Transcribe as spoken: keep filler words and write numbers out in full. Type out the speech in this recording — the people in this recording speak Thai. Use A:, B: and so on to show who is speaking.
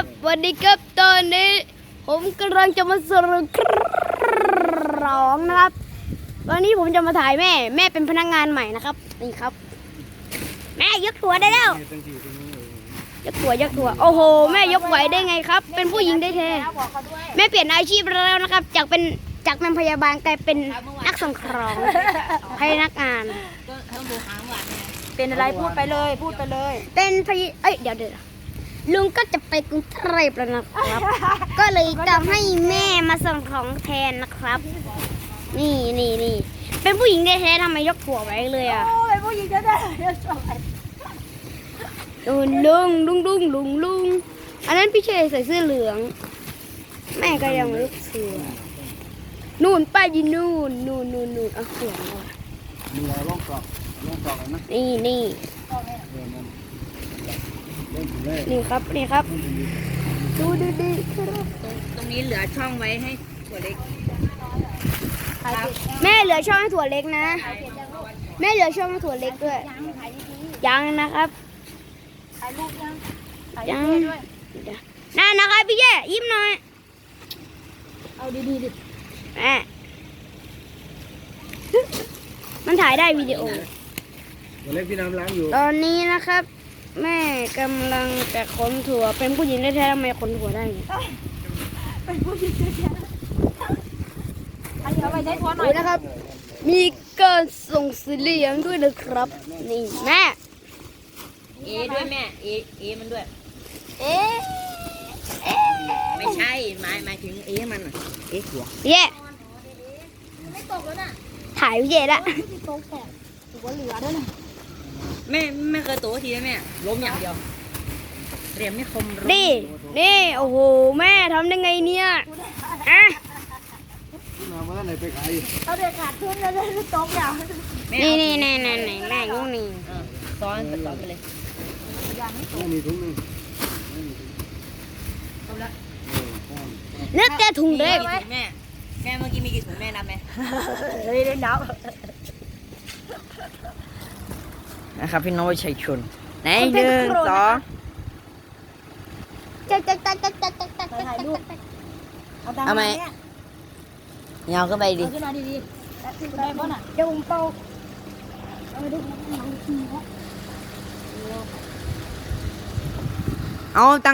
A: ครับวันนี้ครับตอนนี้ผมกำลังจะมาสรุปร้องนะครับวันนี้ผมจะมาถ่ายแม่แม่เป็นพนักงานใหม่นะครับนี่ครับแม่ยกถั่วได้แล้วยกถั่วยกถั่วโอ้โหแม่ยกไหวได้ไงครับเป็นผู้หญิงได้แท้แม่เปลี่ยนอาชีพแล้วนะครับจากเป็นจากเป็นพยาบาลกลายเป็นนักส่งของให้นักงาน
B: เป็นอะไรพูดไปเลยพูดไปเลย
A: เป็นพยเอ้ยเดี๋ยวเดี๋ยวลุงก็จะไปกรุงเทพแล้วนะครับ ก็เลยจะให้แม่มาส่งของแทนนะครับ นี่นี่นี่เป็นผู้หญิงแท้ๆทำไมยกถั่วไว้เลยอ่ะ
B: โอ้ยผู้หญิงจะได้เดี๋ยวจบ
A: ลุงลุงลุงลุงลุงลุงอันนั้นพี่เชยใส่เสื้อเหลือง แม่ก็ยังลูกเสือนู่นป้ายินนู่นนู่นนู่นนู่นเอาเสียงมา
C: มีอะไรล่องกรอกล่องกรอกนะ
A: นี่นี่
C: เล่นถึงเลย
A: นี่ครับนี่ครับ ดูดีดีครับ
B: ตรงนี้เหลือช่องไว้ให้ถั่วเล็ก
A: แม่เหลือช่องให้ถั่วเล็กนะ แม่เหลือช่องให้ถั่วเล็กด้วย ยังนะครับ
B: ถ่ายรูปยัง
A: ยังนั่นนะครับพี่แย่ยิ้มหน่อย
B: เอาดีๆดิ
A: แม่มันถ่ายได้วิดีโอ
C: ตัวเล็กพี่น้ำล้างอยู่
A: ตอนนี้นะครับ แม่กำลังจะขนถั่วเป็นผู้หญิงแท้ๆทำไมขนถั่วได้ไง
B: เป็นผู้หญิงจะยังเอาไปใช้ถั่วหน่อย
A: ดูนะครับ มีการส่งเสียงด้วยนะครับ นี่แม่
B: เอด้วยแม่เอเอมันด้วย
A: เอ๊ะเอ๊ะ
B: ไม่ใช่หมายหมายถึงเอมันอ่ะเอถั่ว
A: พี่แย่
B: ไม่ตกแล้วน่ะ
A: ถ่ายพี่แย่ละ
B: ที่โต๊ะแตกถือว่าเหลือด้วยนะแม่ไม่เคยโตทีนะแม่ล้มอย่างเดียวเรียมไม่คม
A: นี่นี่โอ้โหแม่ทำได้ไงเนี่ยอ่ะ
C: พี่น้ำว่าไหนไปขาย
B: เอาเด็กขาดทุนแล้วเลยโต๊ะอย่าง
A: นี่นี่นี่นี่นี่แม่ยุ่งนี่
B: ซ้อนซ้อนไปเลย
C: ไม่มีถุงนึง
A: นึกแต่ถุงเด็ก
B: แม่แม่เมื่อกี้มีกี่ถุงแม่นับไหม
A: เฮ้ยเล่นนับ
B: นะครับพี่น้องชัยชนไหนหนึ่งสอง
A: จักจักจักจักจักจักจักถ่ายรูป
B: เอาไหมเงาขึ้นไปดิ
A: ขึ้นมาดีๆได้ป่ะน่ะเดี๋ยวผมเป่าเอาไปดู
B: เอาตัง